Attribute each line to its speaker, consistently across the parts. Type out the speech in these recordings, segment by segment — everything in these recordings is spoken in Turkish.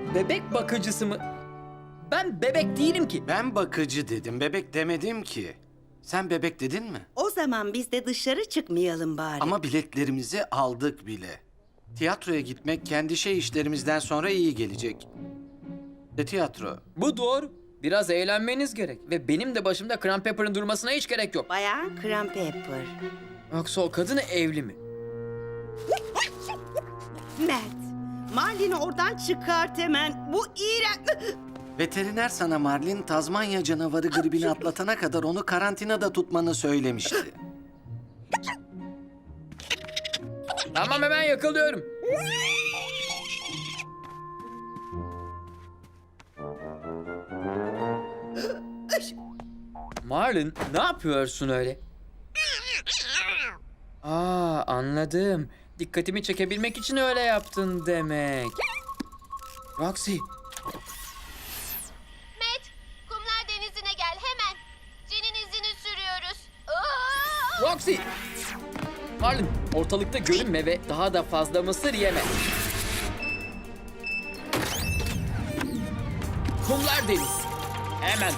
Speaker 1: Bebek bakıcısı mı? Ben bebek değilim ki.
Speaker 2: Ben bakıcı dedim, bebek demedim ki. Sen bebek dedin mi?
Speaker 3: O zaman biz de dışarı çıkmayalım bari.
Speaker 2: Ama biletlerimizi aldık bile. Tiyatroya gitmek kendi işlerimizden sonra iyi gelecek. Tiyatro.
Speaker 1: Bu doğru. Biraz eğlenmeniz gerek. Ve benim de başımda Cran Pepper'ın durmasına hiç gerek yok.
Speaker 3: Bayan Cran Pepper.
Speaker 1: Yoksa o kadın evli mi?
Speaker 3: Mert, Marlin'i oradan çıkart hemen. Bu iğrenç...
Speaker 2: Veteriner sana Marlin, Tazmanya canavarı gribini atlatana kadar onu karantinada tutmanı söylemişti.
Speaker 1: Tamam, hemen yakalıyorum. Marlin, ne yapıyorsun öyle? Aa, anladım. Dikkatimi çekebilmek için öyle yaptın demek. Roxy,
Speaker 4: Matt, kumlar denizine gel hemen. Jen'in izini sürüyoruz. Aa!
Speaker 1: Roxy! Marlin, ortalıkta görünme ve daha da fazla mısır yeme. Kumlar deniz. Hemen.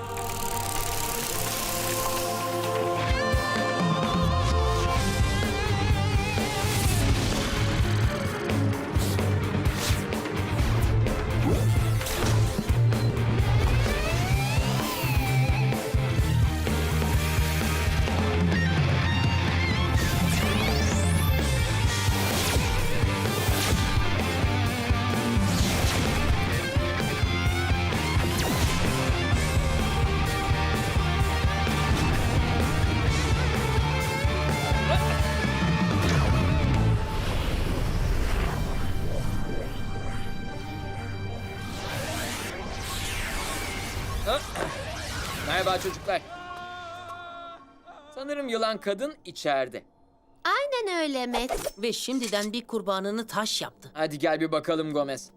Speaker 1: Merhaba çocuklar. Sanırım yılan kadın içeride.
Speaker 4: Aynen öyle Matt.
Speaker 5: Ve şimdiden bir kurbanını taş yaptı.
Speaker 1: Hadi gel bir bakalım Gomez.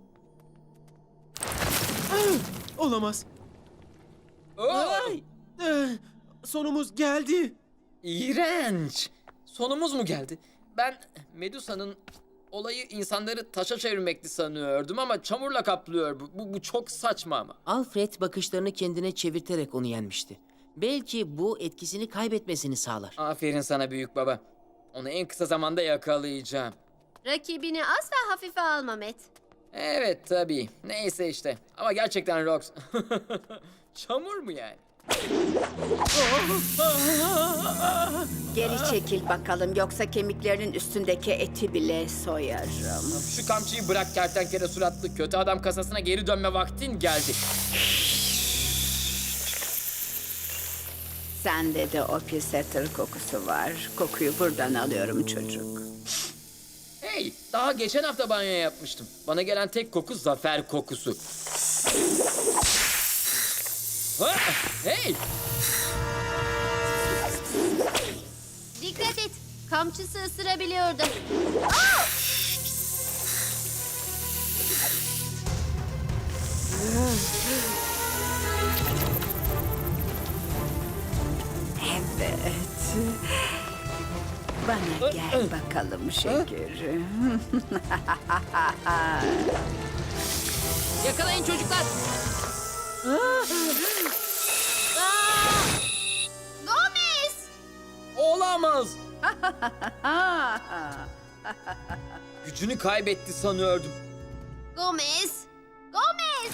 Speaker 6: Olamaz.
Speaker 1: Oo,
Speaker 6: Ay! Sonumuz geldi.
Speaker 1: İğrenç. Sonumuz mu geldi? Ben Medusa'nın olayı insanları taşa çevirmekti sanıyordum ama çamurla kaplıyor. Bu çok saçma ama.
Speaker 5: Alfred bakışlarını kendine çevirterek onu yenmişti. Belki bu etkisini kaybetmesini sağlar.
Speaker 1: Aferin sana büyük baba. Onu en kısa zamanda yakalayacağım.
Speaker 4: Rakibini asla hafife alma Matt.
Speaker 1: Evet tabii. Neyse işte. Ama gerçekten Rox. Çamur mu yani?
Speaker 3: Geri çekil bakalım, yoksa kemiklerinin üstündeki eti bile soyarım.
Speaker 1: Şu kamçıyı bırak kertenkele suratlı. Kötü adam kasasına geri dönme vaktin geldi.
Speaker 3: Sende de o pis ettir kokusu var. Kokuyu buradan alıyorum çocuk.
Speaker 1: Hey, daha geçen hafta banyo yapmıştım. Bana gelen tek koku zafer kokusu. Ha, hey!
Speaker 4: Dikkat et. Kamçısı ısırabiliyordu.
Speaker 3: Evet. Bana gel bakalım şekerim.
Speaker 5: Yakalayın çocuklar.
Speaker 4: Gomez!
Speaker 1: Olamaz! Gücünü kaybetti sanıyordum.
Speaker 4: Gomez! Gomez!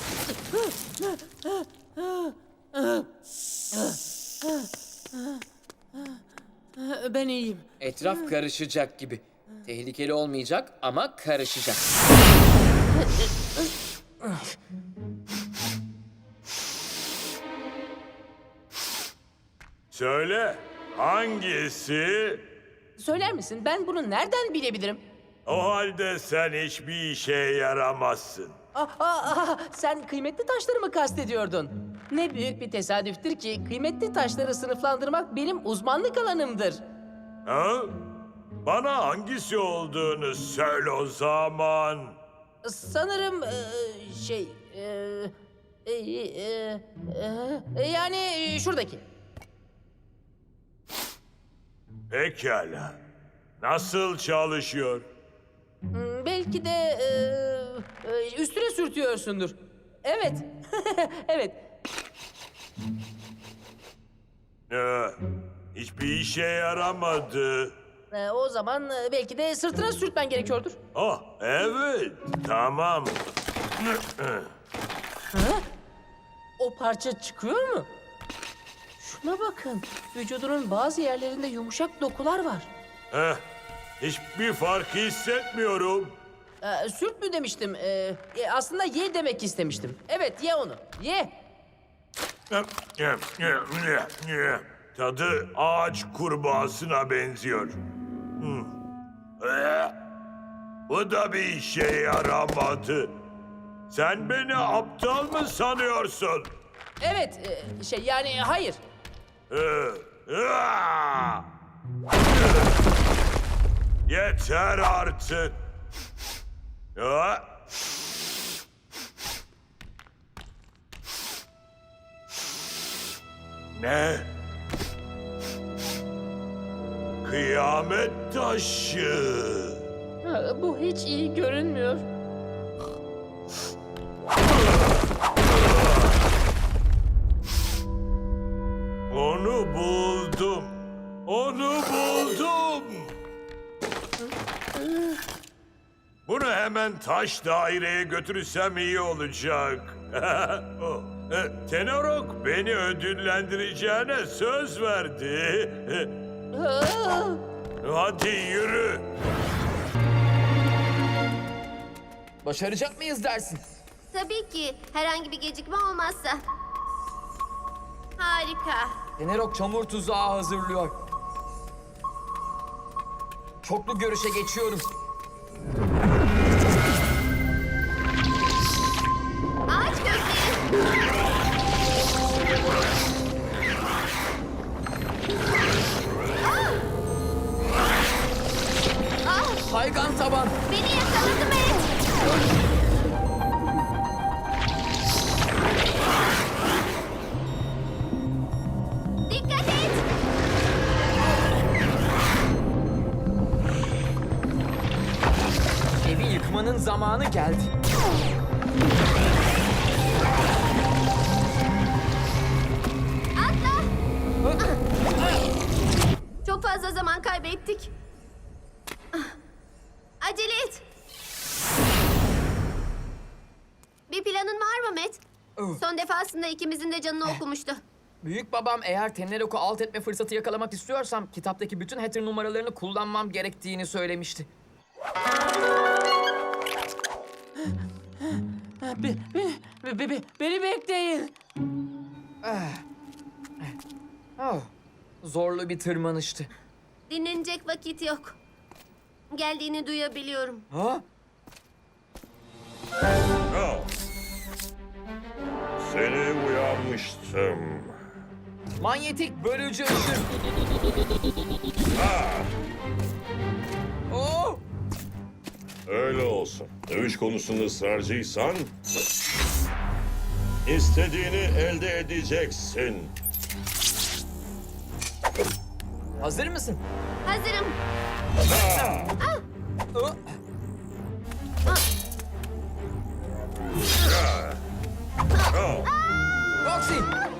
Speaker 5: Ben iyiyim.
Speaker 1: Etraf karışacak gibi. Tehlikeli olmayacak ama karışacak.
Speaker 7: Söyle, hangisi?
Speaker 5: Söyler misin? Ben bunu nereden bilebilirim?
Speaker 7: O halde sen hiçbir işe yaramazsın.
Speaker 5: Sen kıymetli taşları mı kastediyordun? Ne büyük bir tesadüftür ki kıymetli taşları sınıflandırmak benim uzmanlık alanımdır.
Speaker 7: Ha? Bana hangisi olduğunu söyle o zaman.
Speaker 5: Sanırım yani şuradaki.
Speaker 7: Pekala. Nasıl çalışıyor?
Speaker 5: Belki de Üstüne sürtüyorsundur. Evet. Evet.
Speaker 7: Hiçbir işe yaramadı.
Speaker 5: O zaman belki de sırtına sürtmen gerekiyordur.
Speaker 7: Oh, evet. Tamam.
Speaker 5: O parça çıkıyor mu? Şuna bakın. Vücudunun bazı yerlerinde yumuşak dokular var.
Speaker 7: Hiçbir fark hissetmiyorum.
Speaker 5: Sürt mü demiştim? Aslında ye demek istemiştim. Evet, ye onu. Ye.
Speaker 7: Tadı ağaç kurbağasına benziyor. Bu da bir işe yaramadı. Sen beni aptal mı sanıyorsun?
Speaker 5: Evet, yani hayır.
Speaker 7: Yeter artık. Ne? Kıyamet taşı.
Speaker 5: Bu hiç iyi görünmüyor.
Speaker 7: Onu buldum. Onu buldum. Bunu hemen taş daireye götürürsem iyi olacak. Tenorok beni ödüllendireceğine söz verdi. Hadi yürü.
Speaker 1: Başaracak mıyız dersin?
Speaker 4: Tabii ki. Herhangi bir gecikme olmazsa. Harika.
Speaker 1: Tenerok çamur tuzağı hazırlıyor. Çoklu görüşe geçiyorum.
Speaker 4: Ağaç kökleri.
Speaker 1: Kaygan taban.
Speaker 4: Beni yakaladı Matt. Dikkat et.
Speaker 1: Evi yıkmanın zamanı geldi.
Speaker 4: Atla. Çok fazla zaman kaybettik. Acele et. Bir planın var mı Matt? Son defasında ikimizin de canını okumuştu.
Speaker 1: Büyük babam eğer Tenerok'u alt etme fırsatı yakalamak istiyorsam kitaptaki bütün hacker numaralarını kullanmam gerektiğini söylemişti.
Speaker 5: Beni bekleyin.
Speaker 1: Oh, zorlu bir tırmanıştı.
Speaker 4: Dinlenecek vakit yok. Geldiğini duyabiliyorum.
Speaker 1: Ha?
Speaker 7: Seni uyanmıştım.
Speaker 1: Manyetik bölücü ışın. Oh!
Speaker 8: Öyle olsun. Dövüş konusunda ısrarcıysan... istediğini elde edeceksin.
Speaker 1: Hazır mısın?
Speaker 4: Hazırım.
Speaker 1: Oh! Roxy!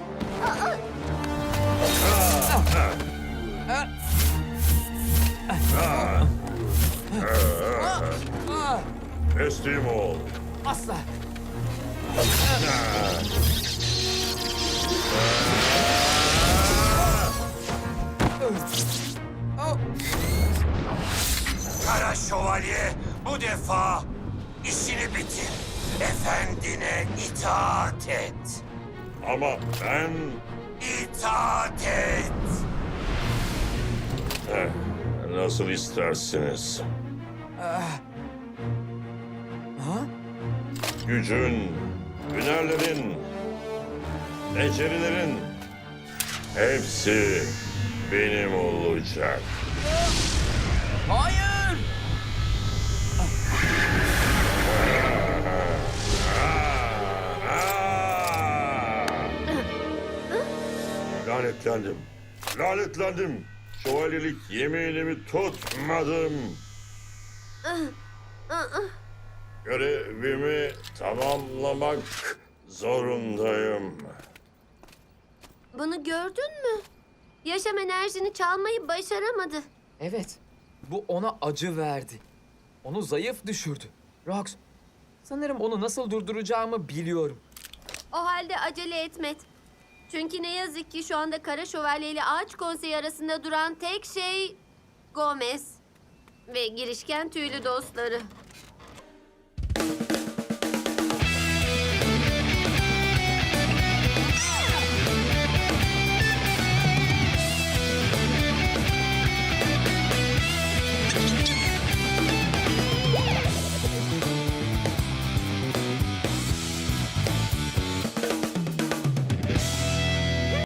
Speaker 8: Teslim ol.
Speaker 1: Asla! Oh!
Speaker 7: Kara Şövalye bu defa işini bitir. Efendine itaat et.
Speaker 8: Ama ben...
Speaker 7: İtaat et.
Speaker 8: Nasıl istersiniz. Gücün, hünerlerin, becerilerin hepsi benim olacak.
Speaker 1: Hayır!
Speaker 8: Lanetlendim. Lanetlendim. Şövalyelik yeminimi tutmadım. Görevimi tamamlamak zorundayım.
Speaker 4: Bunu gördün mü? Yaşam enerjini çalmayı başaramadı.
Speaker 9: Evet, bu ona acı verdi. Onu zayıf düşürdü. Rox, sanırım onu nasıl durduracağımı biliyorum.
Speaker 4: O halde acele etmet. Çünkü ne yazık ki şu anda Kara Şövalye ile Ağaç Konseyi arasında duran tek şey Gomez ve girişken tüylü dostları.